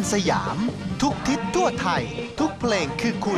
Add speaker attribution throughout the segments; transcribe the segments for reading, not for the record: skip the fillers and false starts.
Speaker 1: สยามทุกทิศทั่วไทยทุกเพลงคือคุณ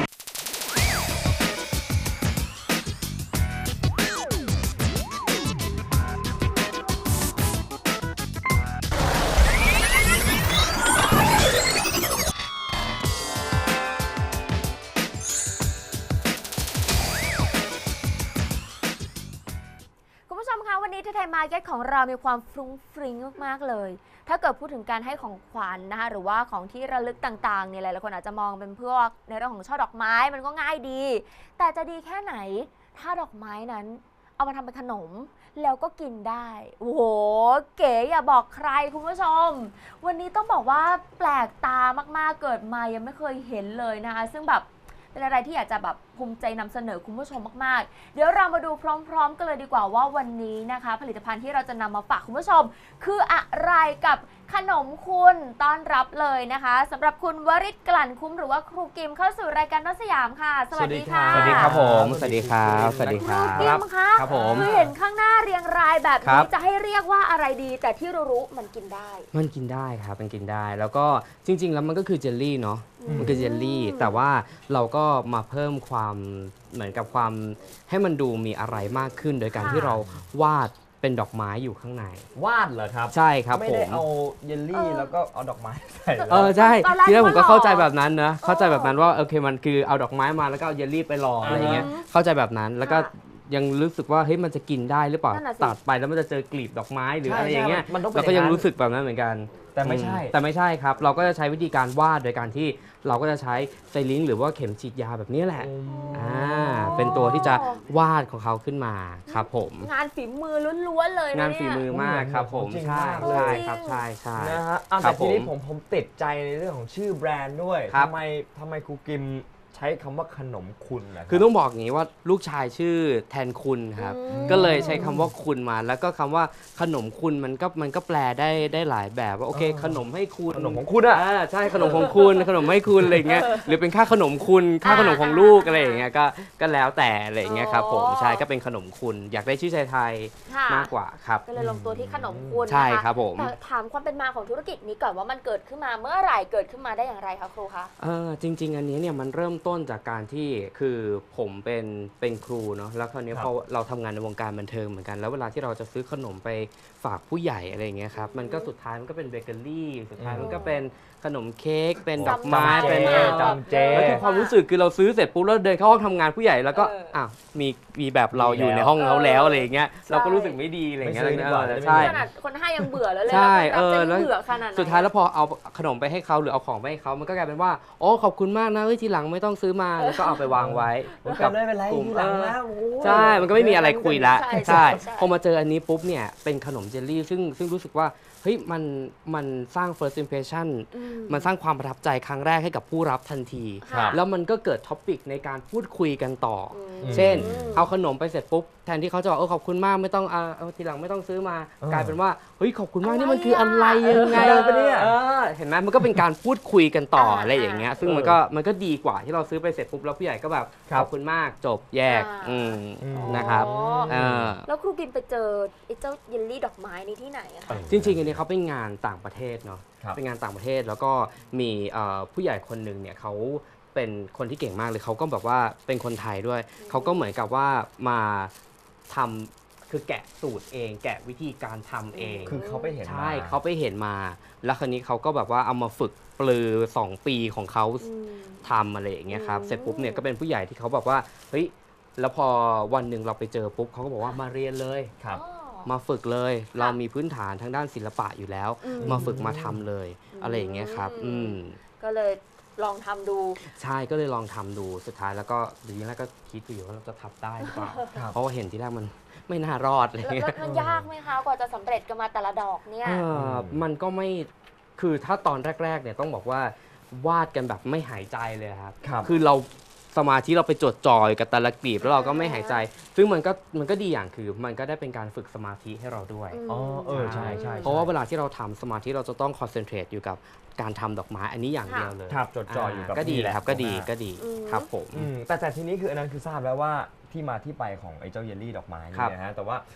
Speaker 2: วันนี้ไทยมาร์เก็ตของเรามีความฟรุ้งฟริ้งมากๆเลยถ้าเกิดพูดถึงการให้ของขวัญนะคะหรือว่าของที่ระลึกต่างๆเนี่ยหลายๆคนอาจจะมองเป็นพวกในเรื่องของช่อดอกไม้มันก็ง่ายดีแต่จะดีแค่ไหนถ้าดอกไม้นั้นเอามาทำเป็นขนมแล้วก็กินได้โอ้โหเก๋อย่าบอกใครคุณผู้ชมวันนี้ต้องบอกว่าแปลกตามากๆเกิดมายังไม่เคยเห็นเลยนะคะซึ่งแบบเป็นอะไรที่อยากจะแบบภูมิใจนำเสนอคุณผู้ชมมากๆเดี๋ยวเรามาดูพร้อมๆกันเลยดีกว่าว่าวันนี้นะคะผลิตภัณฑ์ที่เราจะนำมาฝากคุณผู้ชมคืออะไรกับขนมคุณต้อนรับเลยนะคะสำหรับคุณวริศกลั่นคุ้มหรือว่าครูกิมเข้าสู่รายการนสยามค่ะสวัสดีค่ะ
Speaker 3: สวัสดีครับผมสวัสดีครับสวัสดีค
Speaker 2: ครู
Speaker 3: รับ
Speaker 2: กิมคะ
Speaker 3: ครับผม
Speaker 2: คือเห็นข้างหน้าเรียงรายแบบ
Speaker 3: ครั
Speaker 2: นี้
Speaker 3: บ
Speaker 2: จะให้เรียกว่าอะไรดีแต่ที่รู้ๆมันกินได้
Speaker 3: มันกินได้ครับมันกินได้แล้วก็จริงๆแล้วมันก็คือเจลลี่เนาะมันคือเจลลี่แต่ว่าเราก็มาเพิ่มความเหมือนกับความให้มันดูมีอะไรมากขึ้นโดยการที่เราวาดเป็นดอกไม้อยู่ข้างใน
Speaker 4: วาดเหรอครับ
Speaker 3: ใช่ครับ
Speaker 4: ไม่
Speaker 3: ผ
Speaker 4: ได้
Speaker 3: ม
Speaker 4: เอาเยลลี่แล้วก็เอาดอกไม้ใส่เลย
Speaker 3: ใช่
Speaker 2: ตอนแรก
Speaker 3: ทีแรกผมก็
Speaker 2: ว่าหล่อ
Speaker 3: เข้าใจแบบนั้นนะเข้าใจแบบนั้นว่าโอเคมันคือเอาดอกไม้มาแล้วก็เอาเยลลี่ไปรออะไรอย่างเงี้ยเข้าใจแบบนั้นแล้วก็ยังรู้สึกว่าเฮ้ยมันจะกินได้หรือเปล่า
Speaker 2: นั่นน่ะสิ
Speaker 3: ตัดไปแล้วมันจะเจอกลีบดอกไม้หรืออะไรอย่างเงี้ย
Speaker 4: มันต้องเป็น
Speaker 3: เราก็ยัง
Speaker 4: อางนั้น
Speaker 3: รู้สึกแบบนั้นเหมือนกัน
Speaker 4: แต่ไม่ใช่
Speaker 3: แต่ไม่ใช่ครับ เราก็จะใช้วิธีการวาดโดยการที่เราก็จะใช้ไซลิงค์หรือว่าเข็มฉีดยาแบบนี้แหละเป็นตัวที่จะวาดของเขาขึ้นมาครับผม
Speaker 2: งานฝีมือล้วนๆเลยนะ
Speaker 3: งานฝีมือมากครับผม
Speaker 4: จริง
Speaker 3: ใช่
Speaker 4: มากเลย
Speaker 3: ใช่ครับใช่ใช่
Speaker 4: นะฮะอ่ะ
Speaker 3: ครั
Speaker 4: แต่
Speaker 3: บ
Speaker 4: ทีนี้
Speaker 3: ผม
Speaker 4: ผมติดใจในเรื่องของชื่อแบรนด์ด้วย
Speaker 3: ครับ
Speaker 4: ทำไมครูกิมใช้คำว่าขนมคุณนะรับ
Speaker 3: คือต้องบอกอย่างนี้ว่าลูกชายชื่อแทนคุณครับก็เลยใช้คำว่าคุณมาแล้วก็คำว่าขนมคุณมันก็แปลได้หลายแบบว่าโอเคขนมให้คุณ
Speaker 4: ขนมของคุณอะ
Speaker 3: ใช่ขนมของคุณขนมให้คุณอะไรอย่างเงี้ยหรือเป็นค่าขนมคุณค่าขนมของลูกอะไรอย่างเงี้ยก็แล้วแต่อะไรอย่างเงี้ยครับผมใช่ก็เป็นขนมคุณอยากได้ชื่อไทย
Speaker 2: ค่ะ
Speaker 3: ๆมากกว่าครับ
Speaker 2: ก็เลยลงตัวที่ขนมคุณนะคะ
Speaker 3: ใช่ครับผม
Speaker 2: แต่ถามความเป็นมาของธุรกิจนี้ก่อนว่ามันเกิดขึ้นมาเมื่อไหร่เกิดขึ้นมาได้อย่างไรคะครูคะ
Speaker 3: จริง ๆ อันนี้เนี่ยมันเริ่มต้นจากการที่คือผมเป็นครูเนาะแล้วคราวนี้
Speaker 4: ครับ
Speaker 3: พอเราทำงานในวงการบันเทิงเหมือนกันแล้วเวลาที่เราจะซื้อขนมไปฝากผู้ใหญ่อะไรอย่างเงี้ยครับมันก็สุดท้ายมันก็เป็นเบเกอรี่สุดท้ายมันก็เป็นขนมเค้กเป็นดอกไม้
Speaker 2: จำเจ
Speaker 3: เป็น
Speaker 4: จำเจ
Speaker 3: แล้วคือความรู้สึกคือเราซื้อเสร็จปุ๊บแล้วเดินเข้าห้องทำงานผู้ใหญ่แล้วก็อ้าวมีแบบเราอยู่ในห้องเขาแล้วอะไรอย่างเงี้ยเราก็รู้สึกไม่ดีอะไรอย่างเงี้ย
Speaker 4: ไม่ซื้อดีกว่า
Speaker 3: ใช่
Speaker 2: ขนาดคนให้ยังเบื่อแล้วเลย
Speaker 3: ใช่
Speaker 2: แล้วคนรับจะ
Speaker 3: แล้ว
Speaker 2: เบื่อขนาดไหน
Speaker 3: สุดท้ายแล้วพอเอาขนมไปให้เขาหรือเอาของไปให้เขามันก็กลายเป็นว่าโอ้ขอบคุณมากนะเฮ้ยทีหลังไม่ต้องซื้อมาแล้วก็เอาไปวางไว้
Speaker 4: ไม่เป็นไร
Speaker 3: กลุ่ม
Speaker 4: ทีหลังนะโอ้ย
Speaker 3: ใช่มันก็ไม่มีอะไรคุยละ
Speaker 2: ใช่
Speaker 3: พอมาเจออันนี้ปุ๊บเนี่ยเป็นขนมเจลลี่ซึ่งรู้สึกว่าเฮ้ยมันสร้าง first impression มันสร้างความประทับใจครั้งแรกให้กับผู้รับทันที
Speaker 4: ครับ
Speaker 3: แล้วมันก็เกิดท็อปิกในการพูดคุยกันต่ออ
Speaker 4: ม
Speaker 3: เช่น เอาขนมไปเสร็จปุ๊บแทนที่เขาจะบอกขอบคุณมากไม่ต้องเอาทีหลังไม่ต้องซื้อมา กลายเป็นว่าเฮ้ยขอบคุณมากนี่มันคืออะไรยังไง
Speaker 4: อะไรปะเนี่ย
Speaker 3: เห็นไหมมันก็เป็นการพูดคุยกันต่ออะไรอย่างเงี้ยซึ่งมันก็ดีกว่าที่เราซื้อไปเสร็จปุ๊บแล้วผู้ใหญ่ก็แบบขอบคุณมากจบแยกนะครับ
Speaker 2: อ๋อ
Speaker 3: เออ
Speaker 2: แล้วครูกิมไปเจอไอ้เจ้าเยลลี่ดอกไม้นี้ที่ไหนอะคะ
Speaker 3: จริงๆอันนี้เขาเป็นงานต่างประเทศเนาะ
Speaker 4: ครับ
Speaker 3: เป็นงานต่างประเทศแล้วก็มีผู้ใหญ่คนหนึ่งเนี่ยเขาเป็นคนที่เก่งมากเลยเขาก็แบบว่าเป็นคนไทยด้วยเขาก็เหมือนกับว่ามาทำคือแกะสูตรเอง แกะวิธีการทำเอง
Speaker 4: คือเขาไปเห็นมา
Speaker 3: ใช่เขาไปเห็นมา แล้วคราวนี้เขาก็แบบว่าเอามาฝึกปลือ2 ปีของเขาทำอะไรอย่างเงี้ยครับเสร็จปุ๊บเนี่ยก็เป็นผู้ใหญ่ที่เขาแบบว่าเฮ้ยแล้วพอวันหนึ่งเราไปเจอปุ๊บเขาก็บอกว่ามาเรียนเลย
Speaker 4: ครับ
Speaker 3: มาฝึกเลย เรามีพื้นฐานทางด้านศิลปะอยู่แล้ว มาฝึกมาทำเลย อะไรอย่างเงี้ยครับ
Speaker 2: ก็เลยลองทำดู
Speaker 3: ใช่ก็เลยลองทำดูสุดท้ายแล้วก็ทีแรกก็คิดอยู่ว่าเราจะทำได้หรือเปล่า
Speaker 4: ครับ
Speaker 3: เพราะว่าเห็นที่แรกมันไม่น่ารอดอะไร
Speaker 2: แล้ว
Speaker 3: เงี้ย
Speaker 2: มันยากไหมคะกว่าจะสำเร็จกันมาแต่ละดอกเนี่ย
Speaker 3: มันก็ไม่คือถ้าตอนแรกๆเนี่ยต้องบอกว่าวาดกันแบบไม่หายใจเลยครับ
Speaker 4: ครับ
Speaker 3: คือเราสมาธิเราไปจดจ่อยกับแต่ละกลีบแล้วเราก็ไม่หายใจ ซึ่งมันก็ดีอย่างคือมันก็ได้เป็นการฝึกสมาธิให้เราด้วย
Speaker 4: อ๋อใช่ใช่
Speaker 3: เพราะว่าเวลาที่เราทำสมาธิเราจะต้องคอนเซนเทรตอยู่กับการทำดอกไม้อันนี้อย่างเดียวเลย
Speaker 4: ครับจดจ่ออยู่กับ
Speaker 3: ก็ดี
Speaker 4: นี่แหละ
Speaker 3: ครับก็ดี
Speaker 4: ตรงหน้า
Speaker 3: ก็ดีครับผม
Speaker 4: แต่ทีนี้คืออันนั้นคือทราบแล้วว่าที่มาที่ไปของไอ้เจ้าเยลลี่ดอกไม้
Speaker 3: ครั
Speaker 4: นี่
Speaker 3: บ
Speaker 4: นะฮะแต่ว่า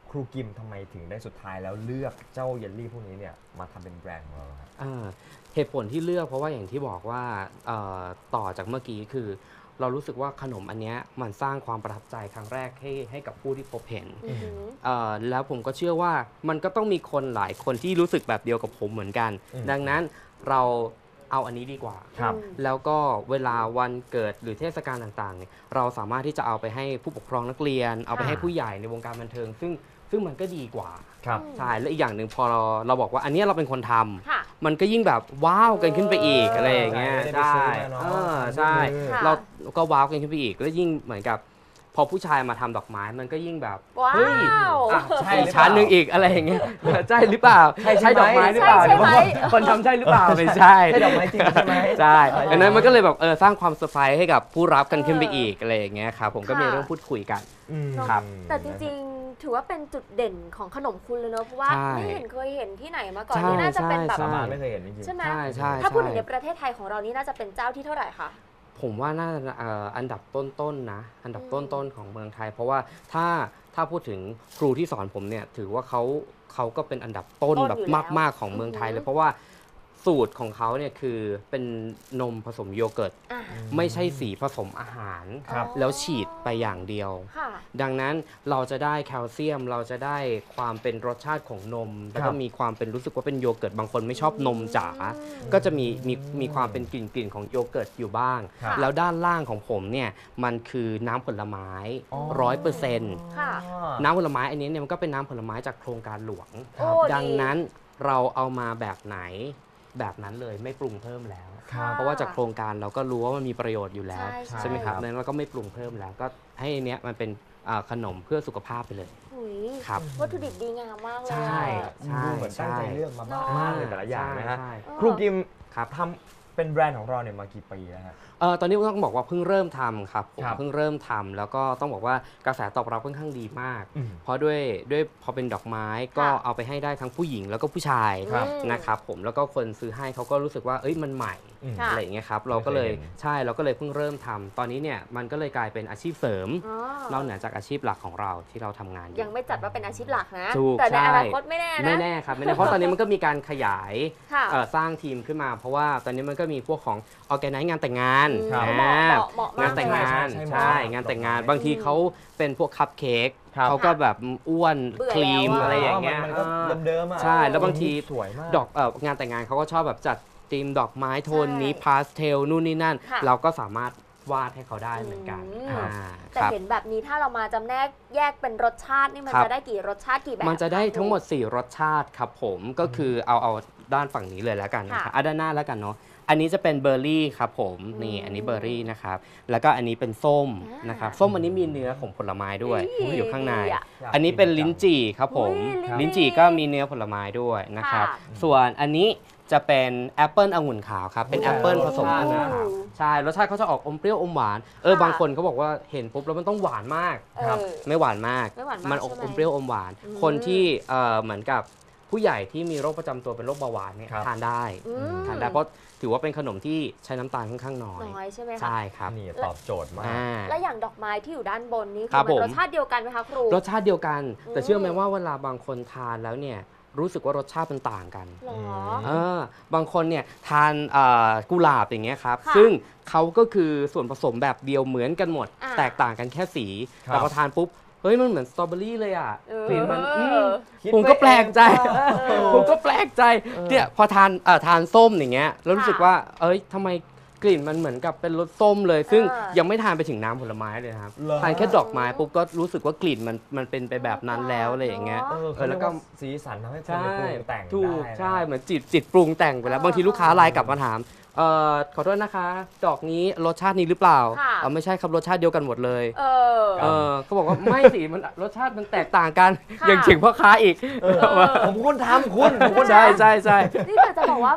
Speaker 4: ครูกิมทำไมถึงได้สุดท้ายแล้วเลือกเจ้าเยลลี่พวกนี้เนี่ยมาทำเป็นแบรนด์ของเราครับ
Speaker 3: เหตุผลที่เลือกเพราะว่าอย่างที่บอกว่าต่อจากเมื่อกี้คือ เรารู้สึกว่าขนมอันเนี้ยมันสร้างความประทับใจครั้งแรกให้กับผู้ที่พบเห็น แล้วผมก็เชื่อว่ามันก็ต้องมีคนหลายคนที่รู้สึกแบบเดียวกับผมเหมือนกัน ดังนั้นเราเอาอันนี้ดีกว่า
Speaker 4: ครับ
Speaker 3: แล้วก็เวลาวันเกิดหรือเทศกาลต่างๆเนี่ยเราสามารถที่จะเอาไปให้ผู้ปกครองนักเรียน เอาไปให้ผู้ใหญ่ในวงการบันเทิง ซึ่งมันก็ดีกว่า
Speaker 4: ครับ
Speaker 3: ใช่และอีกอย่างหนึ่งพอเราบอกว่าอันเนี้ยเราเป็นคนทำ
Speaker 2: ค่ะ
Speaker 3: มันก็ยิ่งแบบว้าวกันขึ้นไปอีกอะไรอย่างเงี้ย
Speaker 4: ไม่ได้ไป
Speaker 3: ใช่
Speaker 4: ซื้อมาเนอะ
Speaker 3: ใช่
Speaker 2: ค่ะ
Speaker 3: เราก็ว้าวกันขึ้นไปอีกแล้วยิ่งเหมือนกับพอผู้ชายมาทำดอกไม้มันก็ยิ่งแบบ
Speaker 2: ว้า
Speaker 3: เฮ้ยว
Speaker 4: ใช่หรือเปล่า
Speaker 3: ชั้นหนึ่งอีกอะไรอย่างเงี้ยใช่หรือเปล่า
Speaker 4: ใช่ไหม
Speaker 3: ดอกไม้หรือเปล่า
Speaker 2: ใช่ไหม
Speaker 3: รือว่าคนทำใช่หรือเปล่าไม่ใช่
Speaker 4: ใช่ดอกไม้จริงใช่ไหม
Speaker 3: ใช่ดังนั้นมันก็เลยแบบสร้างความเซอร์ไพรส์ให้กับผู้รับกันขึ้นไปอีกอะไรอย่างเงี้ยครับผมก็มีเรื่องพูดคุยกัน ครับ
Speaker 2: แต่จริงๆ ถือว่าเป็นจุดเด่นของขนมคุณเลยเนอะเพราะว่า
Speaker 3: ใช่
Speaker 2: ไม่เห็นเคยเห็นที่ไหนมาก่อน
Speaker 3: ใช่
Speaker 2: นี่น่าจะเป็นแบบ
Speaker 3: ใช่
Speaker 4: ประมาณไม่เคยเห็นจริงๆ
Speaker 2: ใช่ไหม
Speaker 3: ใช่ใช่
Speaker 2: ถ้าพูดถึง
Speaker 3: ใช่
Speaker 2: ในประเทศไทยของเรานี่น่าจะเป็นเจ้าที่เท่าไหร่คะ
Speaker 3: ผมว่าน่าจะอันดับต้นๆนะอันดับต้นๆของเมืองไทย เพราะว่าถ้าพูดถึงครูที่สอนผมเนี่ยถือว่าเขาก็เป็นอันดับต้น
Speaker 2: ต้น
Speaker 3: แบบ
Speaker 2: อยู่แล้ว
Speaker 3: มากๆของเมืองไทย
Speaker 2: อือหือ
Speaker 3: เลยเพราะว่าสูตรของเขาเนี่ยคือเป็นนมผสมโยเกิร์ต
Speaker 2: อ่ะ
Speaker 3: ไม่ใช่สีผสมอาหาร
Speaker 4: ครับ
Speaker 3: แล้วฉีดไปอย่างเดียว
Speaker 2: ค่ะ
Speaker 3: ดังนั้นเราจะได้แคลเซียมเราจะได้ความเป็นรสชาติของนม แล้วก็มีความเป็นรู้สึกว่าเป็นโยเกิร์ตบางคนไม่ชอบนมจ๋าก็จะมีความเป็นกลิ่นของโยเกิร์ตอยู่บ้าง
Speaker 4: ครับ
Speaker 3: แล้วด้านล่างของผมเนี่ยมันคือน้ำผลไม้
Speaker 4: อ๋อ
Speaker 3: 100%
Speaker 2: ค่ะ
Speaker 3: น้ำผลไม้อันนี้เนี่ยมันก็เป็นน้ำผลไม้จากโครงการหลวง
Speaker 2: โอ้
Speaker 3: ดังนั้นเราเอามาแบบไหนแบบนั้นเลยไม่ปรุงเพิ่มแล้ว
Speaker 4: ครับ
Speaker 3: เพราะว่าจากโครงการเราก็รู้ว่ามันมีประโยชน์อยู่แล้ว
Speaker 2: ใช่
Speaker 3: ไหมครับดังนั้นเราก็ไม่ปรุงเพิ่มแล้วก็ให้อันเนี้ยมันเป็นขนมเพื่อสุขภาพไปเลย
Speaker 2: หุย
Speaker 3: ครับ
Speaker 2: วัตถุดิบดีงามมากเลย
Speaker 3: ใช่
Speaker 2: อะ
Speaker 3: ใช่
Speaker 4: ดูเหมือนตั้งใจเลือกมามากๆเลยแต่ละอย่างนะฮะ
Speaker 3: ใช่
Speaker 4: ครูกิม
Speaker 3: ครับ
Speaker 4: ทำเป็นแบรนด์ของเราเนี่ยมากี่ปีแล้วฮะ
Speaker 3: ตอนนี้ต้องบอกว่าเพิ่งเริ่มทำครับผม
Speaker 4: ครับ
Speaker 3: เพิ่งเริ่มทำแล้วก็ต้องบอกว่ากระแสตอบรับค่อนข้างดีมาก
Speaker 4: อืม
Speaker 3: เพราะด้วยพอเป็นดอกไม้ก็
Speaker 2: ค่ะ
Speaker 3: เอาไปให้ได้ทั้งผู้หญิงแล้วก็ผู้ชาย
Speaker 4: ครับ
Speaker 3: นะครับผมแล้วก็คนซื้อให้เขาก็รู้สึกว่าเอ้ยมันใหม่
Speaker 4: อืม
Speaker 2: ค่ะ
Speaker 3: อะไรอย่างเงี้ยครับเราก็เลย
Speaker 4: ไม่เคยเห็น
Speaker 3: ใช่เราก็เลยเพิ่งเริ่มทำตอนนี้เนี่ยมันก็เลยกลายเป็นอาชีพเสริม
Speaker 2: อ๋อ
Speaker 3: นอกเหนือจากอาชีพหลักของเราที่เราทำงานอยู่
Speaker 2: ยังไม่จัดว่าเป็นอาชีพหลักนะ
Speaker 3: ถูก
Speaker 2: แต่ใน
Speaker 3: ใช่
Speaker 2: อนาคตไม่แน่นะ
Speaker 3: ไม่แน่ครับไม่แน่เพราะตอนนี้มันก็มีการขยาย
Speaker 2: ค่ะ
Speaker 3: สร้างทีมขึ้นมา เพราะว่าตอนนี้มันก็มีพวกของออแกไนซ์งานแต่งงาน
Speaker 2: ครับ
Speaker 3: อ่า
Speaker 2: เหมาะมาก
Speaker 3: งานแต่งงาน
Speaker 4: ใช่
Speaker 3: ใช่
Speaker 4: ใช่
Speaker 3: งานแต่งงาน
Speaker 4: ดอกไม้
Speaker 3: บางทีเขาเป็นพวกคัพเค้ก
Speaker 4: ครับ
Speaker 3: เขาก็แบบอ้วน
Speaker 2: เบื่อ
Speaker 3: ครีม
Speaker 2: แล้วอะ
Speaker 3: อะไรอย่างเงี้ย
Speaker 4: มันก็เดิมๆอ่ะ
Speaker 3: ใช่แล้วบางที
Speaker 4: สวยมาก
Speaker 3: ดอกงานแต่งงานเขาก็ชอบแบบจัดธีมดอกไม้โทนนี้
Speaker 2: ใช่
Speaker 3: พาสเทลนู่นนี่นั่น
Speaker 2: ค่ะ
Speaker 3: เราก็สามารถวาดให้เขาได้เหมือนกัน
Speaker 2: อืม
Speaker 3: อ่า
Speaker 2: แต่
Speaker 3: ครับ
Speaker 2: เห็นแบบนี้ถ้าเรามาจำแนกแยกเป็นรสชาตินี่มัน
Speaker 3: ครับ
Speaker 2: จะได้กี่รสชาติกี่แบบ
Speaker 3: มันจะได้
Speaker 2: ค
Speaker 3: ทั้งหมด 4 รสชาติครับผมก็คือเอาด้านฝั่งนี้เลยแล้วกันนะค
Speaker 2: ค่ะ
Speaker 3: รับด้านหน้าแล้วกันเนาะอันนี้จะเป็นเบอร์รี่ครับผมนี่อันนี้เบอร์รี่นะครับแล้วก็อันนี้เป็นส้ม
Speaker 2: อ่าน
Speaker 3: นะครับส้มอันนี้มีเนื้อของผลไม้ด้วย
Speaker 2: อุ๊ย
Speaker 3: อยู่ข้างใน
Speaker 2: ดีอะ
Speaker 3: อันนี้เป็นลิ้นจี่ครับผม
Speaker 2: อุ๊ยลิ้
Speaker 3: ลิ้
Speaker 2: น
Speaker 3: น
Speaker 2: จี่
Speaker 3: จี่ก็มีเนื้อผลไม้ด้วยนะครับ
Speaker 2: ค่ะ
Speaker 3: ส่วนอันนี้จะเป็นแอปเปิลองุ่นขาวครับเป็น
Speaker 4: โอ้
Speaker 3: แอปเปิลผสม
Speaker 4: รสชาติ
Speaker 3: องุ่น
Speaker 4: นะ
Speaker 3: ขาวใช่รสชาติเขาจะออกอมเปรี้ยวอมหวานบางคนเขาบอกว่าเห็นปุ๊บแล้วมันต้องหวานมาก
Speaker 2: เออ
Speaker 4: ครับ
Speaker 3: ไม่หวานมาก
Speaker 2: ไม่หวานมาก
Speaker 3: มันอ
Speaker 2: ใช่ไหม
Speaker 3: มเปรี้ยวอมหวาน
Speaker 2: อืม
Speaker 3: คนที่เหมือนกับผู้ใหญ่ที่มีโรคประจำตัวเป็นโรคเบาหวานเนี่ย
Speaker 4: ครับ
Speaker 3: ทานได้
Speaker 2: อืม
Speaker 3: ทานได้เพราะถือว่าเป็นขนมที่ใช้น้ำตาลค่อนข้างน้อย
Speaker 2: น้อยใช่ไหมคะ
Speaker 3: ใช่ครับ
Speaker 4: นี่ตอบโจทย์มาก
Speaker 3: อ่า
Speaker 2: และอย่างดอกไม้ที่อยู่ด้านบนนี้
Speaker 3: ครับ
Speaker 2: คือมัน
Speaker 3: ผม
Speaker 2: รสชาติเดียวกันไหมคะครู
Speaker 3: รสชาติเดียวกัน แต่
Speaker 2: อืม
Speaker 3: เชื่อไหมว่าเวลาบางคนทานแล้วเนี่ยรู้สึกว่ารสชาติมันต่างกัน
Speaker 2: หรอ
Speaker 3: บางคนเนี่ยทานกุหลาบอย่างเงี้ยครับ
Speaker 2: ค่ะ
Speaker 3: ซึ่งเขาก็คือส่วนผสมแบบเดียวเหมือนกันหมด
Speaker 2: อ่า
Speaker 3: แตกต่างกันแค่สี
Speaker 4: ครับ
Speaker 3: แต่พอทานปุ๊บเฮ้ยมันเหมือนสตรอเบอรี่เลยอ่ะ
Speaker 2: เออก
Speaker 3: ลิ่นมัน
Speaker 4: คิด
Speaker 3: ผมก็แปลกใจ
Speaker 2: เออ
Speaker 3: ผมก็แปลกใจเนี่ยพอทานส้มอย่างเงี้ยแล้วรู้สึก
Speaker 2: ค่ะ
Speaker 3: ว่าเอ้ยทำไมกลิ่นมันเหมือนกับเป็นรสส้มเลย ซึ่ง
Speaker 2: เออ
Speaker 3: ยังไม่ทานไปถึงน้ำผลไม้เลยนะครับ
Speaker 4: เหรอ
Speaker 3: ทานแค่ดอกไม้ปุ๊บก็รู้สึกว่ากลิ่นมันเป็นไปแบบนั้นแล้วอะไรอย่างเงี้ย
Speaker 2: เนอะ
Speaker 4: เขา
Speaker 3: แล้
Speaker 4: เรียว ก
Speaker 3: ก็
Speaker 4: ว่าสีสันทำให้คน
Speaker 3: ใช่
Speaker 4: ไปปรุงแต่ง
Speaker 3: ถูก
Speaker 4: ได้นะ
Speaker 3: ใช่เหมือนจิตปรุงแต่งไปแล้วบางทีลูกค้าไลน์กลับมาถามขอโทษนะคะ ดอกนี้รสชาตินี้หรือเปล่า
Speaker 2: ค่ะ
Speaker 3: ไม่ใช่ครับรสชาติเดียวกันหมดเลย
Speaker 2: เออ
Speaker 3: เขาบอกว่าไม่สิมันรสชาติมันแตกต่างกัน
Speaker 2: ค่ะ
Speaker 3: อย่างถึงพ่อค้าอีก
Speaker 4: ผมคนทำคุณผมคน
Speaker 3: ใช่ใช่ใช่
Speaker 2: นี่แต่จะบอกว่าแบบมัน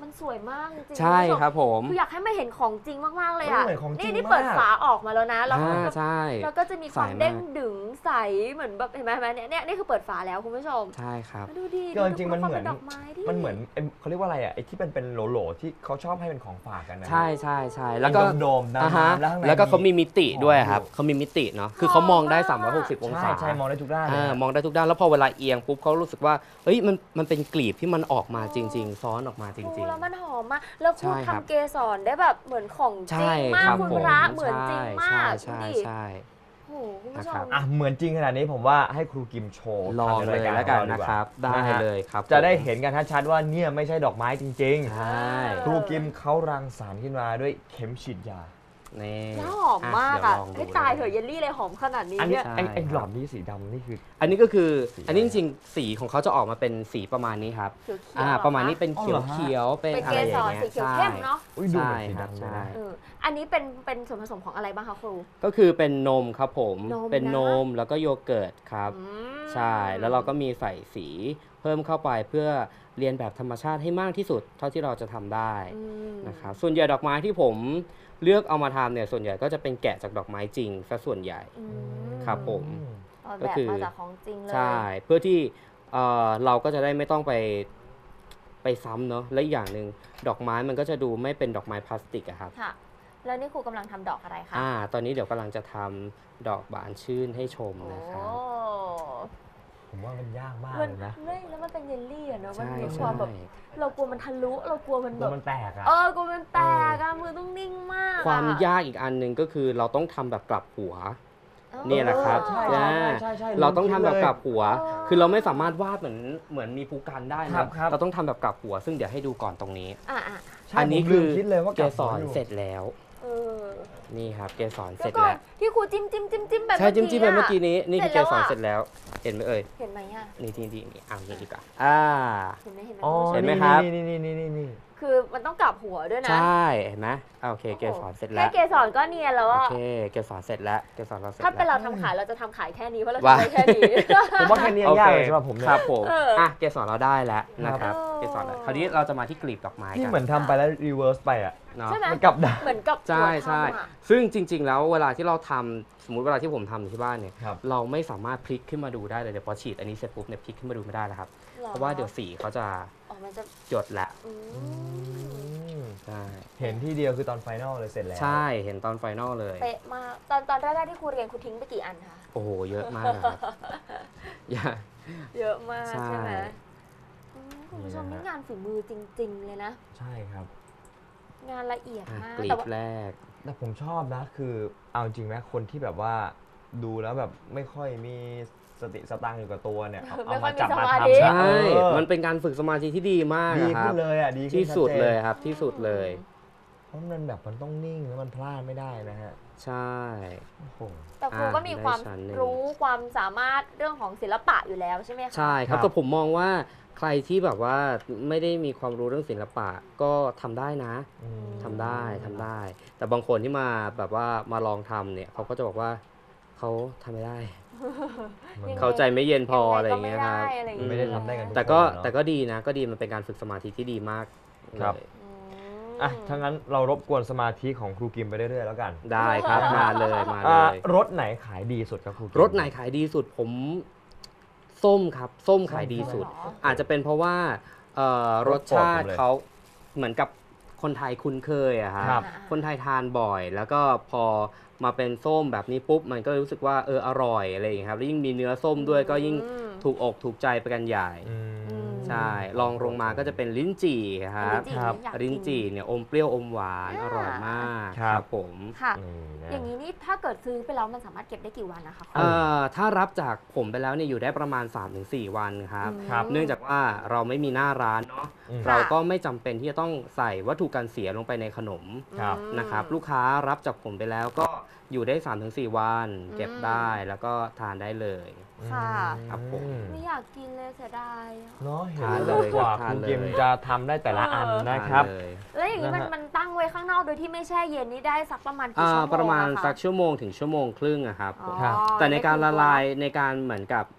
Speaker 2: มันสวยมากจริงๆ
Speaker 3: ใช่
Speaker 2: ณผู้ชม
Speaker 3: ครับผม
Speaker 2: คืออยากให้มาเห็นของจริงมากๆเลย
Speaker 4: มัน
Speaker 2: อ่ะ
Speaker 4: เหมือนของจริง
Speaker 2: นี่
Speaker 4: มาก
Speaker 2: เปิดฝาออกมาแล้วนะแล้วมันก็
Speaker 3: ใช่
Speaker 2: แล้วก็จะมีความ
Speaker 3: ใสมาก
Speaker 2: เด้งดึงใสเหมือนแบบเห็นไหมเนี่ยนี่คือเปิดฝาแล้วคุณผู้ชม
Speaker 3: ใช่ครับ
Speaker 2: ดูดิ
Speaker 4: ก็จริงๆมันเหมือน
Speaker 2: ดูดอกไม้ดิ
Speaker 4: มันเหมือนเขาเรียกว่าอะไรอ่ะไอ้ที่เป็นโหลๆที่เขาชอบให้เป็นของฝากกันนะ
Speaker 3: ใช่ใช่ใช่แล้วก็
Speaker 4: โดมๆ
Speaker 3: อ่าฮะ
Speaker 4: น้ำๆแล้วข้างใน
Speaker 3: แล้วก็เขามีมิติด้วย
Speaker 4: หอม
Speaker 3: ครับ
Speaker 4: อยู่
Speaker 3: เขามีมิติเนาะคือเขามองได้ 360 องศา
Speaker 4: ใช่มองได้ทุกด้านเลย
Speaker 3: มองได้ทุกด้านแล้วพอเวลาเอียงปุ๊บเขารู้สึกว่าเอ้ยมันเป็นกลีบที่มันออกมาจริง ๆ ซ้อนออกมาจริง
Speaker 2: ดูแล้วมันหอมมากแล้วคุณ
Speaker 3: ใช่ครับ
Speaker 2: ทำเกสรได้แบบเหมือนของจ
Speaker 3: ใช่
Speaker 2: ริงมา
Speaker 3: ค
Speaker 2: ก
Speaker 3: รับ
Speaker 2: คุณ
Speaker 3: ผม
Speaker 2: พระเหมือนจริงมาก
Speaker 3: ใช่
Speaker 2: ดูดิ
Speaker 3: ใช่
Speaker 2: โอ้โหคุณผู้ช
Speaker 3: นะครับ
Speaker 2: ม
Speaker 4: อ่ะเหมือนจริงขนาดนี้ผมว่าให้ครูกิมโชว์
Speaker 3: ลอง
Speaker 4: ทำ
Speaker 3: เล
Speaker 4: ใน
Speaker 3: ย
Speaker 4: ราย
Speaker 3: แล้ว
Speaker 4: กา
Speaker 3: กั
Speaker 4: ร
Speaker 3: น
Speaker 4: ของเราดี
Speaker 3: นะ
Speaker 4: กว่า
Speaker 3: ครับ ได้
Speaker 4: นะฮะ
Speaker 3: เลยครับ
Speaker 4: จะได้
Speaker 3: ผม
Speaker 4: เห็นกันชัดๆว่าเนี่ยไม่ใช่ดอกไม้จริง
Speaker 3: ใช่
Speaker 4: ๆ ครูกิมเขารังสรรค์ขึ้นมาด้วยเข็มฉีดยา
Speaker 3: นี่
Speaker 2: แล้วหอมมากอ่ะ
Speaker 3: เดี๋ยวลงดู
Speaker 2: ให้ตายเถอะเยลลี่เลยหอมขนาดนี้
Speaker 4: อันนี้
Speaker 2: เนี่ย
Speaker 3: ใช่
Speaker 4: ไอ้หลอดนี้สีดำนี่คือ
Speaker 3: อันนี้ก็คือ
Speaker 4: สี
Speaker 3: อันนี้จริงๆสีของเขาจะออกมาเป็นสีประมาณนี้ครับ
Speaker 2: เขียวๆเหอ
Speaker 3: ประมาณนี้เป็น
Speaker 4: อ๋อ
Speaker 3: เขี
Speaker 4: เห
Speaker 3: ย
Speaker 4: ร
Speaker 3: ว
Speaker 4: อฮะ
Speaker 3: เขียวๆเป็น
Speaker 2: เป็น
Speaker 3: อะ
Speaker 2: เก
Speaker 3: ไรอ
Speaker 2: ส
Speaker 3: ย่าง
Speaker 2: ร
Speaker 3: เงี้ย
Speaker 2: สีเขียว
Speaker 3: ใช่
Speaker 2: เข้มเนาะ
Speaker 4: อุ้ยดู
Speaker 3: ใช่
Speaker 4: เหมือนสี
Speaker 3: ครับ
Speaker 4: ดำเลย
Speaker 3: ใช่
Speaker 4: นะ
Speaker 2: อันนี้เป็นส่วนผสมของอะไรบ้างคะครู
Speaker 3: ก็คือเป็นนมครับผม
Speaker 2: นม
Speaker 3: เป็น
Speaker 2: นะ
Speaker 3: นมแล้วก็โยเกิร์ตครับ
Speaker 2: อืม
Speaker 3: ใช่ แล้วเราก็มีใส่สีเพิ่มเข้าไปเพื่อเรียนแบบธรรมชาติให้มากที่สุดเท่าที่เราจะทำได้
Speaker 2: อืม
Speaker 3: นะครับส่วนใหญ่ดอกไม้ที่ผมเลือกเอามาทำเนี่ยส่วนใหญ่ก็จะเป็นแกะจากดอกไม้จริงซะส่วนใหญ่
Speaker 2: อืม
Speaker 3: ครับผม
Speaker 2: เอา
Speaker 3: ก็
Speaker 2: แบบ
Speaker 3: คือ
Speaker 2: มาจากของจริงเลย
Speaker 3: ใช่ เพื่อที่เราก็จะได้ไม่ต้องไปซ้ำเนาะและอีกอย่างหนึ่งดอกไม้มันก็จะดูไม่เป็นดอกไม้พลาสติกอะครับ
Speaker 2: ค่ะ แล้วนี่ครูกำลังทำดอกอะไรคะ
Speaker 3: ตอนนี้เดี๋ยวกำลังจะทำดอกบานชื่นให้ชม
Speaker 2: โอ้
Speaker 3: นะครับ
Speaker 4: ผมว่ามันยากมาก
Speaker 2: มัน
Speaker 4: เลยนะ
Speaker 2: ไม่แล้วมันเป็นเยลลี่อะเนาะมัน
Speaker 3: ใช่
Speaker 2: มีค
Speaker 3: ใช่
Speaker 2: วามแบบเรากลัวมันทะลุเรากลัวมัน
Speaker 4: ตั
Speaker 2: แบ
Speaker 4: ว
Speaker 2: บ
Speaker 4: มันแตกอ่ะ
Speaker 2: กลัวมันแตกอะมือต้องนิ่งมากอะ
Speaker 3: ความยากอีกอันหนึ่งก็คือเราต้องทำแบบกลับหัว
Speaker 2: อ๋อ
Speaker 3: เนี่ยแหละครับ
Speaker 4: ใช่
Speaker 3: อ่า
Speaker 4: ใช่
Speaker 3: เราต้องทำแบบกลับหัว
Speaker 2: อ๋อ
Speaker 3: คือเราไม่สามารถวาดเหมือนมีภูกันได้
Speaker 4: ครั
Speaker 3: นะ
Speaker 4: บครับ
Speaker 3: เราต้องทำแบบกลับหัว ซึ่งเดี๋ยวให้ดูก่อนตรงนี้
Speaker 2: อ่ะ
Speaker 4: ใช่
Speaker 3: อันนี้
Speaker 4: ผม
Speaker 3: คื
Speaker 4: ลื
Speaker 3: อ
Speaker 4: มคิดเลยว่า
Speaker 3: เก
Speaker 4: ลับ
Speaker 3: ส
Speaker 4: หัว
Speaker 3: ร
Speaker 4: อยู่
Speaker 3: เสร็จแล้ว
Speaker 2: เออ
Speaker 3: นี่ครับเกสรเส
Speaker 2: แล้
Speaker 3: ร็
Speaker 2: ว
Speaker 3: จ
Speaker 2: ก็
Speaker 3: แล้ว
Speaker 2: ที่ครูจิ้มแบบ
Speaker 3: ใช่จิ้มไปเมื่อกี้
Speaker 2: ะ
Speaker 3: นี้นี่คือ
Speaker 2: เสร็
Speaker 3: เก
Speaker 2: จแล้ว
Speaker 3: สร
Speaker 2: อะ
Speaker 3: เสร็จแล้ว เห็นไหมเอ่ย
Speaker 2: เห็นไหมอะ
Speaker 3: นี่นี่เอาอย่างนี้ดีกว่า
Speaker 2: เห็นไหม
Speaker 4: อ๋อ
Speaker 3: เห็นไหมครับ
Speaker 4: นี่
Speaker 2: คือมันต้องกลับหัวด้วยนะ
Speaker 3: ใช่เห็นไหมโอเคเกสรเสร็จแล้
Speaker 2: แค่
Speaker 3: ว
Speaker 2: เกสรก็เนียนแล้ว
Speaker 3: โอ
Speaker 2: อะ
Speaker 3: เคเกสรเสร็จแล้วเกสรเราเสร็จ
Speaker 2: ถ้าเป็น
Speaker 3: แล้ว
Speaker 2: เราทำขายเราจะทำขายแค่นี้เพราะเรา
Speaker 3: ว้า
Speaker 2: ทำได้แค่นี้
Speaker 4: ผมว่าแค่นี้ยังยากเลยสำหรับผมเนี่
Speaker 3: ค
Speaker 4: ย
Speaker 3: รับผม
Speaker 2: เอออ่
Speaker 3: เกสรเราได้แล้วนะครับ
Speaker 2: ครับ
Speaker 3: เกสรแล้วคราวนี้เราจะมาที่กลีบดอกไม้
Speaker 4: ที่
Speaker 3: กัน
Speaker 4: เหมือนทำไปแล้วรีเวิร์สไปอ่ะ
Speaker 3: เนาะ
Speaker 2: ใช่ไหม
Speaker 4: มันกลับด้าน
Speaker 2: เหมือนกับ
Speaker 3: ใช่
Speaker 2: หัว
Speaker 3: ใช่
Speaker 2: ทำอะ
Speaker 3: ซึ่งจริง ๆ แล้วเวลาที่เราทำสมมุติเวลาที่ผมทำอยู่ที่บ้านเนี่ย
Speaker 4: ครับ
Speaker 3: เราไม่สามารถพลิกขึ้นมาดูได้เลยเดี๋ยวพอฉีดอันนี้เสร็จปุ๊บเนี่ยพลิกขึ้นมาดูไม่ได้แล้วครับ
Speaker 2: หอ
Speaker 3: เพราะว่าเดี๋ยวสีเขาจะ
Speaker 2: อ๋อมันจะ
Speaker 3: หยดละ
Speaker 2: อืม
Speaker 3: ใช่
Speaker 4: เห็นที่เดียวคือตอนไฟนอลเลยเสร็จแล้ว
Speaker 3: ใช่เห็นตอนไฟนอลเลย
Speaker 2: เป๊ะมากตอนแรกๆที่ครูเรียนครูทิ้งไปกี่อันคะ
Speaker 3: โอ้โหเยอะมากนะครับอย่า
Speaker 2: เยอะมาก
Speaker 3: ใช่
Speaker 2: ใช่ไหมคุณผู้ชมนี่งานฝีมือจริง ๆ เลยนะ
Speaker 4: ใช่ครับ
Speaker 2: งานละเอียดมาก
Speaker 3: กลี
Speaker 2: แต่
Speaker 3: บ
Speaker 2: ว่า
Speaker 3: แรก
Speaker 4: แต่ผมชอบนะคือเอาจริงไหมคนที่แบบว่าดูแล้วแบบไม่ค่อยมีสติสตังค์อยู่กับตัวเนี่ยเอามาจับมาทำ
Speaker 3: ใช่
Speaker 4: เออ
Speaker 3: มันเป็นการฝึกสมาธิที่ดีมาก
Speaker 4: ดี
Speaker 3: อะค
Speaker 4: ขึ้
Speaker 3: รับ
Speaker 4: นเลยอ่ะดีขึ้น
Speaker 3: ที่สุด
Speaker 4: ชัจน
Speaker 3: เลยครับที่สุดเลย
Speaker 4: เพราะมันแบบมันต้องนิ่งแล้วมันพลาดไม่ได้นะฮะ
Speaker 3: ใช่
Speaker 4: โอ้โห
Speaker 2: แต่ครูก็มีความ
Speaker 3: ได้ชั้นหนึ่ง
Speaker 2: รู้ความสามารถเรื่องของศิลปะอยู่แล้วใช่ไหมคะ
Speaker 3: ใช่ครับ
Speaker 4: ครับ
Speaker 3: แต่ผมมองว่าใครที่แบบว่าไม่ได้มีความรู้เรื่องศิลปะก็ทำได้นะ
Speaker 4: อืม
Speaker 3: ทำได้ทำได้ แต่บางคนที่มาแบบว่ามาลองทำเนี่ยเขาก็จะบอกว่าเขาทำไม่ได้
Speaker 4: มัน
Speaker 2: ยังไง
Speaker 3: เขาใจไม่เย็นพออะไร
Speaker 2: ก็
Speaker 3: อย่าง
Speaker 2: ไม่
Speaker 3: เงี้ยครับ
Speaker 2: ได้อะไรอย่าง
Speaker 3: อื
Speaker 2: เงี้ย
Speaker 4: ไม่ได้ทำได้กันทุก
Speaker 3: แต่ก็
Speaker 4: คนเนอะ
Speaker 3: แต่ก็ดีนะก็ดีมันเป็นการฝึกสมาธิที่ดีมาก
Speaker 4: ครับ
Speaker 3: เลย
Speaker 2: อืม
Speaker 4: อ่ะถ้างั้นเรารบกวนสมาธิของครูกิมไปเรื่อยๆแล้วกัน
Speaker 3: ได้ครับมาเลยมาเล
Speaker 4: อ่าย รถไหนขายดีสุดครับครูกิม
Speaker 3: รถไหนขายดีสุดผมส้มครับ ส้มขายดีสุด
Speaker 2: เหรอ
Speaker 3: อาจจะเป็นเพราะว่ารสชาติเขาเหมือนกับคนไทยคุ้นเคยอะครับ
Speaker 4: ครับ
Speaker 3: คนไทยทานบ่อย แล้วก็พอมาเป็นส้มแบบนี้ปุ๊บ มันก็รู้สึกว่าอร่อยอะไรอย่างเงี้ยครับแล้วยิ่งมีเนื้อส้มด้วยก็ยิ่ง
Speaker 2: อืม
Speaker 3: ถูกอกถูกใจไปกันใหญ่
Speaker 4: อืม
Speaker 3: ใช่ลองลงมาก็จะเป็นลิ้นจี่ครับ
Speaker 4: ครับ
Speaker 2: อยากกิน
Speaker 3: ลิ้นจี่เนี่ยอมเปรี้ยวอมหวาน
Speaker 2: อ่า
Speaker 3: อร่อยมาก
Speaker 4: ครับ
Speaker 3: ผม
Speaker 2: ค่ะ
Speaker 4: นี่นะ
Speaker 2: อย่างนี้นี่ถ้าเกิดซื้อไปแล้วมันสามารถเก็บได้กี่วันนะคะครู
Speaker 3: ถ้ารับจากผมไปแล้วเนี่ยอยู่ได้ประมาณ 3-4 วันครับ
Speaker 4: ครับ
Speaker 3: เนื่องจากว่าเราไม่มีหน้าร้านเนาะ
Speaker 4: อืม
Speaker 3: เราก็ไม่จำเป็นที่จะต้องใส่วัตถุกันเสียลงไปในขนม
Speaker 4: ครับ
Speaker 3: นะครับลูกค้ารับจากผมไปแล้วก็อยู่ได้ 3-4 วัน เก็บได้แล้วก็ทานได้เลย
Speaker 2: ค่ะ
Speaker 3: ครับผม
Speaker 2: ไม่อยากกินเลยเสียดายอะ
Speaker 4: เนาะเห็น
Speaker 3: ทาน
Speaker 4: แล้ว
Speaker 3: เลย
Speaker 4: กว่า
Speaker 3: ทาน
Speaker 4: ครู
Speaker 3: เลย
Speaker 4: กิมจะทำได้แต่ละอันนะครับ
Speaker 3: ทานเลย
Speaker 2: แล้วอย่างนี้มัน
Speaker 4: นะฮะ
Speaker 2: มันตั้งไว้ข้างนอกโดยที่ไม่แช่เย็นนี่ได้สักประมาณกี่ชั่วโมง
Speaker 3: ประมาณ
Speaker 2: อค
Speaker 3: สักชั่วโมงถึงชั่วโมงครึ่งอะครับผม
Speaker 2: อ๋อ
Speaker 3: แต่ในการละลาย
Speaker 2: ได้
Speaker 3: ในการเหมือนกับ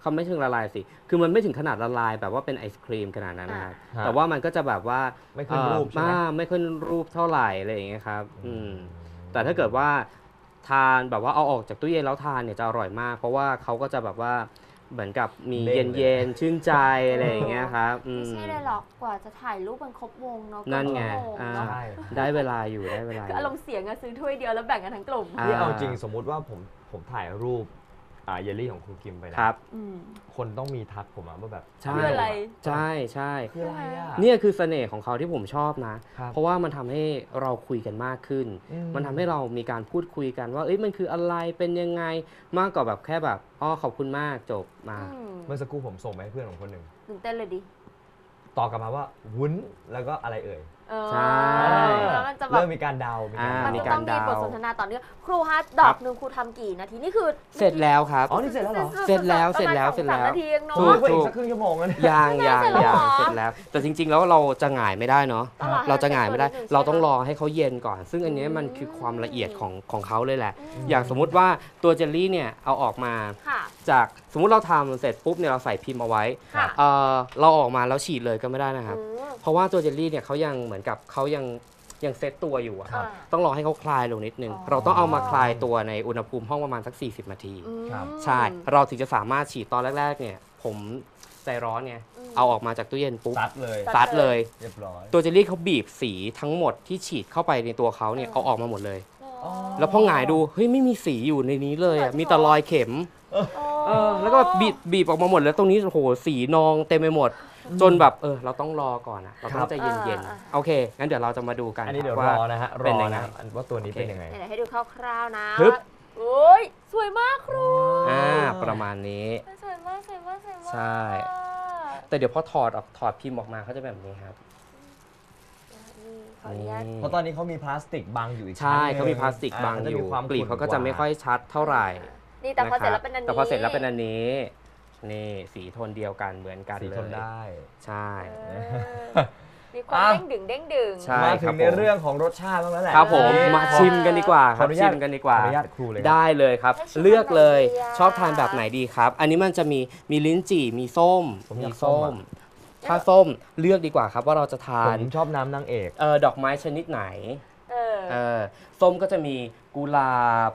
Speaker 3: เขาไม่ถึงละลายสิคือมันไม่ถึงขนาดละลายแบบว่าเป็นไอศครีมขนาดนั้นนะครับ
Speaker 4: อ่า
Speaker 3: แต่ว่ามันก็จะแบบว่า
Speaker 4: ไม่ขึ้นรูปใช่ไหม
Speaker 3: ไม่ขึ้นรูปเท่าไหร่อะไรอย่างเงี้ยครับแต่ถ้าเกิดว่าทานแบบว่าเอาออกจากตู้เย็นแล้วทานเนี่ยจะอร่อยมาก เพราะว่าเขาก็จะแบบว่าเหมือนกับมี
Speaker 4: เด้งเลย
Speaker 3: เย็นๆชื่นใจอะไรอย่างเงี้ยครับ
Speaker 2: ไม่ใช่เลยหรอกกว่าจะถ่ายรูปมันครบวงเนาะ
Speaker 3: นั่นไง
Speaker 2: ก็ชั่วโมงเนอะ
Speaker 4: ใช่
Speaker 3: ได้เวลาอยู่ได้เวลาอ
Speaker 2: คืออารมณ์เสียงอะซื้อถ้วยเดียวแล้วแบ่งกันทั้งกลุ่ม
Speaker 3: อ่า
Speaker 4: นี่เอาจริงสมมุติว่าผมถ่ายรูปเยลลี่ของครูกิมไปนะครับ
Speaker 2: อืม
Speaker 4: คนต้องมีทักผมมาว่าแบบ
Speaker 3: ใช่
Speaker 2: คืออะไร
Speaker 3: ใช่ใช่
Speaker 4: คืออะไรอ่ะ
Speaker 3: เนี่ยคือเสน่ห์ของเขาที่ผมชอบนะ
Speaker 4: ครับ
Speaker 3: เพราะว่ามันทำให้เราคุยกันมากขึ้น มันทำให้เรามีการพูดคุยกันว่าเอ้ยมันคืออะไรเป็นยังไงมากกว่าแบบแค่แบบอ๋อขอบคุณมากจบมา
Speaker 4: เมื่อสักครู่ผมส่งไปให้เพื่อนของคนหนึ่ง
Speaker 2: ตื่นเต้นเลยดิ
Speaker 4: ตอบกลับมาว่าวุ้นแล้วก็อะไรเอ่ย
Speaker 3: ใช่
Speaker 2: แล้วมันจะแบบ
Speaker 4: เริ่มมีการเดามีการ
Speaker 2: มัน
Speaker 3: มี
Speaker 2: จะ
Speaker 3: กา
Speaker 2: ต้
Speaker 3: ร
Speaker 2: องมี
Speaker 3: เดา
Speaker 2: บทสนทนาต่อเนื่องครูฮะดอกหนึ่งครูทำกี่นาทีนี่คือ
Speaker 3: เสร็จแล้วครับ
Speaker 4: อ๋อนี่เสร็จแล้วเหรอ
Speaker 3: เสร็จแล้ว
Speaker 2: ประมาณ
Speaker 3: เสร็จแล้ว
Speaker 2: 2-3นาทีเองเนาะ
Speaker 3: ถู
Speaker 4: มาก กว่าอีกสักครึ่งชั่วโมงนะเนี่ย
Speaker 3: ยัง
Speaker 2: เสร็จแล้วเหรอ
Speaker 3: เสร็จแล้ว แต่จริง ๆ แล้วเราจะหงายไม่ได้เนาะ
Speaker 2: ต้องรอให้
Speaker 3: เราจะหงายไม่ได้
Speaker 2: เสร็จก่อนนิดนึง
Speaker 3: เราต้อง
Speaker 2: ใช่ไหม
Speaker 3: รอให้เขาเย็นก่อน ซึ่งอันเนี้ยมันคือความละเอียดของเขาเลยแหละ
Speaker 2: อืม
Speaker 3: อย่างสมมุติว่าตัวเจลลี่เนี่ยเอาออกมา
Speaker 2: ค่ะ
Speaker 3: จากสมมุติเราทำเสร็จปุ๊บเนี่ยเราใส่พิมพ์เอาไว้
Speaker 2: ค่ะ
Speaker 3: เราออกมาแล้วฉีดเลยก็ไม่ได้นะครับ
Speaker 2: อืม
Speaker 3: เพราะว่าตัวเจลลี่เนี่ยเขายังเหมือนกับเขายังเซตตัวอยู่อะ
Speaker 2: ครับ
Speaker 3: ต้องรอให้เขาคลายลงนิดนึง
Speaker 2: อ๋อ
Speaker 3: เราต้องเอามาคลายตัวในอุณหภูมิห้องประมาณสัก 40 นาที
Speaker 2: อืม
Speaker 4: ครับ
Speaker 3: ใช่ เราถึงจะสามารถฉีดตอนแรกๆเนี่ยผมใจร้อนไง
Speaker 2: อืม
Speaker 3: เอาออกมาจากตู้เย็นปุ๊บ
Speaker 4: ซัดเลย
Speaker 3: ซัดเลย
Speaker 4: เรียบร้อย
Speaker 3: ตัวเจลลี่เขาบีบสีทั้งหมดที่ฉีดเข้าไปในตัวเขาเนี่ยเอาออกมาหมดเลย
Speaker 2: อ๋อ
Speaker 3: แล้วพอหงายดูเฮ้ยไม่มีสีอยู่ในนี้เลยอะมีแต่รอยเข็ม แล้วก็บีบออกมาหมดแล้วตรงนี้โอ้โหสีนองเต็มไปหมด จนแบบเราต้องรอก่อนอะเราต้องใจเย็นๆโอเคงั้นเดี๋ยวเราจะมาดูกัน
Speaker 4: อันนี้เดี๋ยว
Speaker 3: ว่าร
Speaker 4: อนะฮะร
Speaker 3: เป็น
Speaker 4: อ
Speaker 3: ยังไง
Speaker 4: นะว่าตัวนี้เป็นยังไง
Speaker 2: ไหนๆให้ดูคร่าวๆนะ
Speaker 3: ฮึบ
Speaker 2: โอ้ยสวยมากครู
Speaker 3: ประมาณนี้
Speaker 2: สวยมากสวยมากสวยมาก
Speaker 3: ใช่ แต่เดี๋ยวพอถอดพิมพ์ออกมาเขาจะแบบนี้ครับ
Speaker 2: นี่ขออนุญาต
Speaker 3: นี่
Speaker 4: เพราะตอนนี้เขามีพลาสติกบังอยู่อีก
Speaker 3: ใช่
Speaker 4: ชั้นหนึ่
Speaker 3: เขามีพลาสติกบังอยู่
Speaker 4: จะมีความ
Speaker 3: กลีบเขาก็จะ
Speaker 4: ขุ่น
Speaker 3: ไม่ค่อยชัดเท่าไหร่
Speaker 2: นี่แต่พอเสร็จ
Speaker 3: ะ
Speaker 2: แล้ว
Speaker 3: คบ
Speaker 2: เป็นอันนี้
Speaker 3: แต่พอเสร็จแล้วเป็นอันนี้นี่สีโทนเดียวกันเหมือนกัน
Speaker 4: สี
Speaker 3: เล
Speaker 4: ทน
Speaker 3: ย
Speaker 4: ได้
Speaker 3: ใช่
Speaker 2: เออมีความเด้งดึงเด้งดึง
Speaker 3: ใช่
Speaker 4: มาถึ
Speaker 3: ครั
Speaker 4: ง
Speaker 3: บ
Speaker 4: ใน
Speaker 3: ผม
Speaker 4: เรื่องของรสชาติบ้างแล้วแหละ
Speaker 3: ครับผม
Speaker 2: เออ
Speaker 3: มาชิมกันดีกว่าค
Speaker 4: ขอ
Speaker 3: รับ
Speaker 4: อนุญา
Speaker 3: ชิ
Speaker 4: ต
Speaker 3: มกันดีกว่า
Speaker 4: ขออนุญาตครูเลยครับ
Speaker 3: ได้เลยครับ
Speaker 2: ให้ชิม
Speaker 3: เลือกเลย
Speaker 2: แบบไหนดีอะ
Speaker 3: ชอบทานแบบไหนดีครับ อันนี้มันจะมีลิ้นจี่มีส้ม
Speaker 4: ผมอยาก
Speaker 3: มี
Speaker 4: ส้
Speaker 3: ส้
Speaker 4: ม
Speaker 3: ม
Speaker 4: อะ
Speaker 3: ถ้าส้มเลือกดีกว่าครับว่าเราจะทา
Speaker 4: ผ
Speaker 3: น
Speaker 4: มชอบน้ำนางเอก
Speaker 3: ดอกไม้ชนิดไหน
Speaker 2: เออ
Speaker 3: ส้มก็จะมีกุหลาบ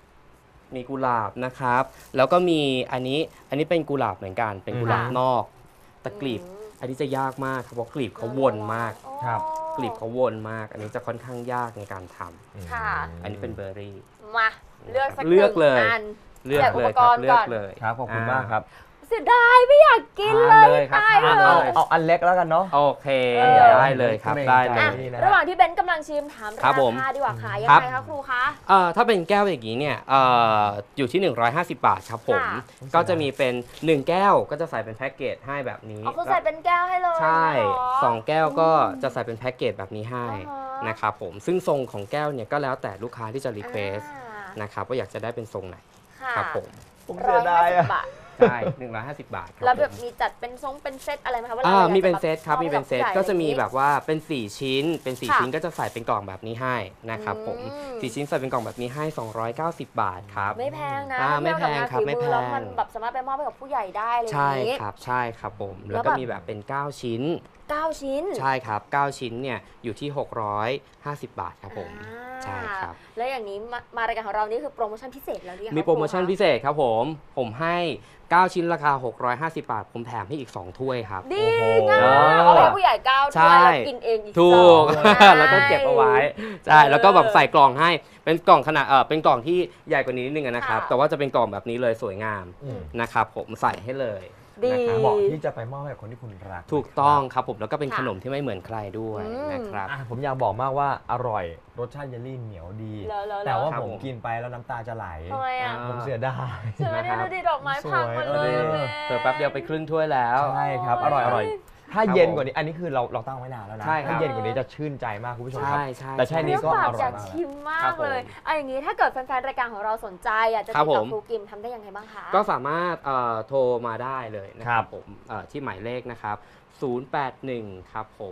Speaker 3: นะครับ แล้วก็มีอันนี้เป็นกุหลาบเหมือนกัน เป็นกุหลาบ
Speaker 2: ค่ะ
Speaker 3: นอก แต่กลีบ อันนี้จะยากมากครับเพราะกลีบเขาวนมาก
Speaker 4: ครับ
Speaker 3: กลีบเขาวนมาก อันนี้จะค่อนข้างยากในการทำ
Speaker 2: ค่ะ
Speaker 3: อันนี้เป็นเบอร์รี่
Speaker 2: มาเลือกสัก
Speaker 3: เลือกเลย
Speaker 2: หนึ่งอัน
Speaker 3: เลือกเลยค
Speaker 2: แต่
Speaker 3: รับ
Speaker 2: อุปกรณ์
Speaker 3: เลือก
Speaker 2: ก่อน
Speaker 3: เลย
Speaker 4: ครับขอบคุณมากครับ
Speaker 2: เสียดายไม่อยากกิน
Speaker 3: ทาน
Speaker 2: เลย
Speaker 3: เลยครับ
Speaker 2: ตาย
Speaker 3: ทาน
Speaker 2: เล
Speaker 3: เลย
Speaker 2: ย
Speaker 4: เอาอันเล็กแล้วกันเนาะ
Speaker 3: โอเค
Speaker 2: เออ
Speaker 3: ได้เลยครับ
Speaker 4: เกรงใจ
Speaker 3: ได้เล
Speaker 2: อ่ะ
Speaker 3: ย
Speaker 4: นี่นะ
Speaker 2: ระหว่างที่เบนซ์กำลังชิมถาม
Speaker 3: ครั
Speaker 2: รา
Speaker 3: บผม
Speaker 2: คาดีกว่าค่ะยัง
Speaker 3: ครับ
Speaker 2: ไงคะครูคะ
Speaker 3: ถ้าเป็นแก้วอย่างนี้เนี่ยอยู่ที่ 150 บาทครับผม
Speaker 2: ค่ะ
Speaker 3: ก็จะมีเป็น 1 แก้วก็จะใส่เป็นแพ็กเกจให้แบบนี้
Speaker 2: เอาคือใส่เป็นแก้วให้เลย
Speaker 3: ใช่
Speaker 2: เหรอ
Speaker 3: 2 แก้วก็จะใส่เป็นแพ็กเกจแบบนี้ให้
Speaker 2: อ๋อ
Speaker 3: นะครับผมซึ่งทรงของแก้วเนี่ยก็แล้วแต่ลูกค้าที่จะรีเควส
Speaker 2: อ่า
Speaker 3: นะครับว่าอยากจะได้เป็นทรงไหน
Speaker 2: ค่ะ
Speaker 3: ครับผม
Speaker 4: ผม เสียดาย
Speaker 2: 150
Speaker 4: อะ
Speaker 2: บาท
Speaker 3: ใช่150 บาทครับ
Speaker 2: แล้วแบบ
Speaker 3: ผม
Speaker 2: มีจัดเป็นเป็นเซตอะไรไหมคะวลาราอยาก
Speaker 3: มีเป็น
Speaker 2: จะ
Speaker 3: เซตครับ
Speaker 2: มอบ
Speaker 3: มี
Speaker 2: ให้
Speaker 3: เป็นเซต
Speaker 2: ผู้ใหญ่
Speaker 3: ก็จะมี
Speaker 2: อไรอย่างงี้
Speaker 3: แบบว่าเป็น4ชิ้นเป็น4
Speaker 2: ค่ะ
Speaker 3: ชิ้นก็จะใส่เป็นกล่องแบบนี้ให้นะครับผม
Speaker 2: อืม
Speaker 3: 4ชิ้นใส่เป็นกล่องแบบนี้ให้ 290 บาทครับ
Speaker 2: ไม่แพงนะ
Speaker 3: ไม่แพงครับ
Speaker 2: เทีย
Speaker 3: ไม่
Speaker 2: กับงานฝี
Speaker 3: แพง
Speaker 2: แล้วมันแบบสามารถไปมอบให้กับผู้ใหญ่ได้เลย
Speaker 3: ใช่
Speaker 2: อย่างงี้
Speaker 3: ครับใช่ครับผม
Speaker 2: แล้
Speaker 3: แล้ว
Speaker 2: ว
Speaker 3: ก็
Speaker 2: แบบ
Speaker 3: มีแบบเป็น 9 ชิ้น
Speaker 2: 9 ชิ้น
Speaker 3: ใช่ครับ 9 ชิ้นเนี่ยอยู่ที่ 650 บาทครับผม ใช่ครับ
Speaker 2: แล้วอย่างนี้มารายการของเรานี่คือโปรโมชั่นพิเศษแล้วหรือยังคะ
Speaker 3: มีโปรโมชั่น
Speaker 2: ค
Speaker 3: พิเศษครับผมให้ 9 ชิ้นราคา 650 บาท ผมแถมให้อีก 2 ถ้วยครับ
Speaker 2: ดี
Speaker 4: โอ้โห
Speaker 2: งามเอาไปให้ผู้ใหญ่9
Speaker 3: ใช่
Speaker 2: ถ้วยแล้วกินเองอีก
Speaker 3: ถูก
Speaker 2: สอง
Speaker 3: แล้วก็เก็บเอาไว้ใช่แล้วก็แบบใส่กล่องให้เป็นกล่องขนาดเป็นกล่องที่ใหญ่กว่านี้นิดนึงนะครับ
Speaker 2: ค่ะ
Speaker 3: แต่ว่าจะเป็นกล่องแบบนี้เลยสวยงาม
Speaker 4: อืม
Speaker 3: นะครับผมใส่ให้เลย
Speaker 2: ดี
Speaker 3: นะครับ
Speaker 4: เหมาะที่จะไปมอบให้กับคนที่คุณรัก
Speaker 3: ถูกต้องครับผมแล้วก็เป็น
Speaker 2: ค่ะ
Speaker 3: ขนมที่ไม่เหมือนใครด้วย
Speaker 2: อืม
Speaker 3: นะครับ
Speaker 4: อ่ะผมอยากบอกมากว่าอร่อยรสชาติเยลลี่เหนียวดี
Speaker 2: แล้ว
Speaker 4: แต่ว่า
Speaker 3: ครับ
Speaker 4: ผม
Speaker 3: ผม
Speaker 4: กินไปแล้วน้ำตาจะไหล
Speaker 2: ทำไมอ่ะ
Speaker 3: อ่า
Speaker 4: ผมเสียดาย
Speaker 2: เชื่อเนี่ยดูดิดอกไม้พังหมดเลย
Speaker 4: สวย
Speaker 2: อะแม่
Speaker 3: เปิดแป๊บเดียวไปครึ่งถ้วยแล้ว
Speaker 4: ใช่ครับ อร่อยอร่อยถ้า
Speaker 3: ครับ
Speaker 4: เย็น
Speaker 3: ผม
Speaker 4: กว่านี้อันนี้คือเราตั้งไว้นานแล้วนะ
Speaker 3: ใช่ครับ
Speaker 4: ถ้าเย็นกว่านี้จะชื่นใจมากคุณผู้ชมครั
Speaker 3: ใช่
Speaker 4: บ
Speaker 3: ใช่
Speaker 4: แต่แค่นี้ก็
Speaker 2: เปล่า
Speaker 4: อร่อย
Speaker 2: อยาก
Speaker 4: มากแล้ว
Speaker 2: ชิมมา
Speaker 3: ครั
Speaker 2: ก
Speaker 3: บผม
Speaker 2: เลยเอาอย่างนี้ถ้าเกิดแฟนๆรายการของเราสนใจอยากจะ
Speaker 3: ครั
Speaker 2: ติ
Speaker 3: บ
Speaker 2: ดต่
Speaker 3: ผ
Speaker 2: อ
Speaker 3: ม
Speaker 2: ครูกิมทำได้ยังไงบ้างคะ
Speaker 3: ก็สามารถโทรมาได้เลยนะค
Speaker 4: ครั
Speaker 3: รับบ ผมที่หมายเลขนะครับ 081 ครับผม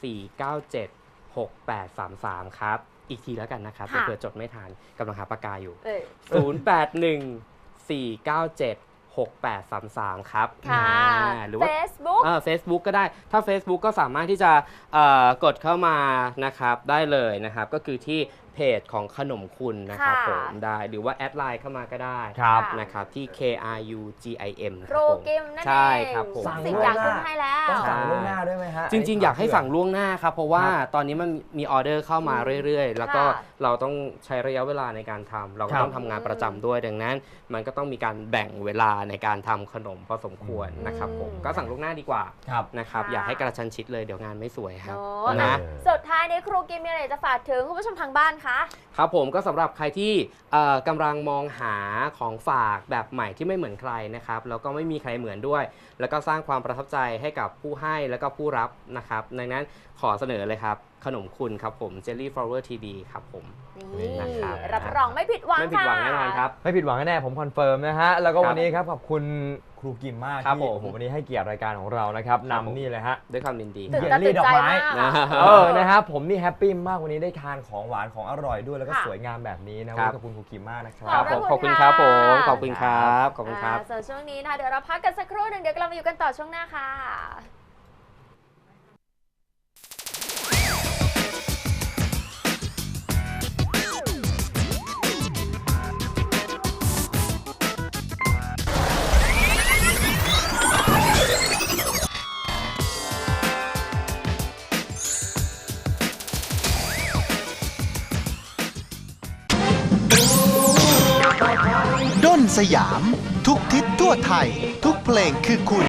Speaker 3: 497 6833 ครับ อีกทีแล้วกันนะครับ
Speaker 2: ค่ะ
Speaker 3: เผื่อจดไม่ทันกำลังหาปากกาอยู่
Speaker 2: เออ
Speaker 3: 081 497 6833 ครับ
Speaker 2: ค่ะ
Speaker 3: หรือว่า
Speaker 2: Facebook
Speaker 3: Facebook ก็ได้ ถ้า Facebook ก็สามารถที่จะกดเข้ามานะครับได้เลยนะครับ ก็คือที่เพจของขนมคุณนะครับ
Speaker 2: ค่ะ
Speaker 3: ผมได้หรือว่าแอดไลน์เข้ามาก็ได้
Speaker 4: ครับ
Speaker 3: นะครับที่ KRUGIM
Speaker 2: ครูกิมนั่นเอง
Speaker 3: ใช่ครับผม
Speaker 4: สั่ง
Speaker 2: สิ่ง
Speaker 4: ล่วง
Speaker 2: อย่าง
Speaker 4: หน้า
Speaker 2: ขึ้นให้แล้ว
Speaker 4: ต้องสั่งล่วงหน้าด้วยไหมฮะ
Speaker 3: จริง ๆ อยากให้สั่งล่วงหน้าครับ เพราะว่าตอนนี้มันมีออเดอร์เข้ามาเรื่อยๆ แล้วก็
Speaker 2: ค่ะ
Speaker 3: เราต้องใช้ระยะเวลาในการทำเราก็ต้องทำงานประจำด้วยดังนั้น มันก็ต้องมีการแบ่งเวลาในการทำขนมพอสมควรนะครับผมก็สั่งล่วงหน้าดีกว่า
Speaker 4: ครับ
Speaker 3: นะครับ
Speaker 2: ค่ะ
Speaker 3: อย่าให้กระชันชิดเลยเดี๋ยวงานไม่สวยครับ
Speaker 2: โอ้
Speaker 3: นะ
Speaker 2: อ่ะสุดท้ายนี้ครูกิมมีอะไรจะฝากถึงคุณผู้ชมทางบ้านคะ
Speaker 3: ครับผมก็สำหรับใครที่กำลังมองหาของฝากแบบใหม่ที่ไม่เหมือนใครนะครับแล้วก็ไม่มีใครเหมือนด้วย แล้วก็สร้างความประทับใจให้กับผู้ให้แล้วก็ผู้รับนะครับดังนั้นขอเสนอเลยครับขนมคุณครับผม Jelly Flower TD ครับผม
Speaker 2: นี่
Speaker 3: นะครับ
Speaker 2: รับรองไม่ผิดหวัง
Speaker 3: ไม่ผิดหวัง
Speaker 2: ค่ะ
Speaker 3: แน่นอนครับ
Speaker 4: ไม่ผิดหวังแน่ๆผมคอนเฟิร์มนะฮะ แล้วก็
Speaker 3: ครับ
Speaker 4: วันนี้ครับขอบคุณครูกิมมาก
Speaker 3: ครับ
Speaker 4: ที่
Speaker 3: ผม
Speaker 4: โอ้โหวันนี้ให้เกียรติรายการของเรานะครับ
Speaker 3: ครับผม
Speaker 4: นำนี่เลยฮะ
Speaker 3: ด้วยความยินดี
Speaker 2: ตื่น
Speaker 4: เย
Speaker 2: ตา
Speaker 4: ลลี่
Speaker 2: ตื่น
Speaker 4: ดอก
Speaker 2: ใจ
Speaker 4: ไม้
Speaker 2: มากอะ
Speaker 4: นะครับผมนี่แฮปปี้มากวันนี้ได้ทานของหวานของอร่อยด้วยแล้วก็
Speaker 2: ค่ะ
Speaker 4: สวยงามแบบนี้นะ
Speaker 3: ครั
Speaker 4: วัน
Speaker 3: บ
Speaker 4: นี้ขอบคุณครูกิมมากนะค
Speaker 3: ค
Speaker 4: รั
Speaker 3: รั
Speaker 4: บบ
Speaker 3: ผม
Speaker 2: ข
Speaker 3: ข
Speaker 2: อ
Speaker 3: อ
Speaker 2: บบ คุ
Speaker 3: คุณ ณ
Speaker 2: ค
Speaker 3: ค
Speaker 2: รั
Speaker 3: รับ บผมขอบคุณครับขอบคุณครับ
Speaker 2: ส่วนช่วงนี้นะคะเดี๋ยวเราพักกันสักครู่หนึ่งเดี๋ยวเรามาอยู่กันต่อช่วงหน้าค่ะ
Speaker 1: ด้นสยาม ทุกทิศทั่วไทย ทุกเพลงคือคุณ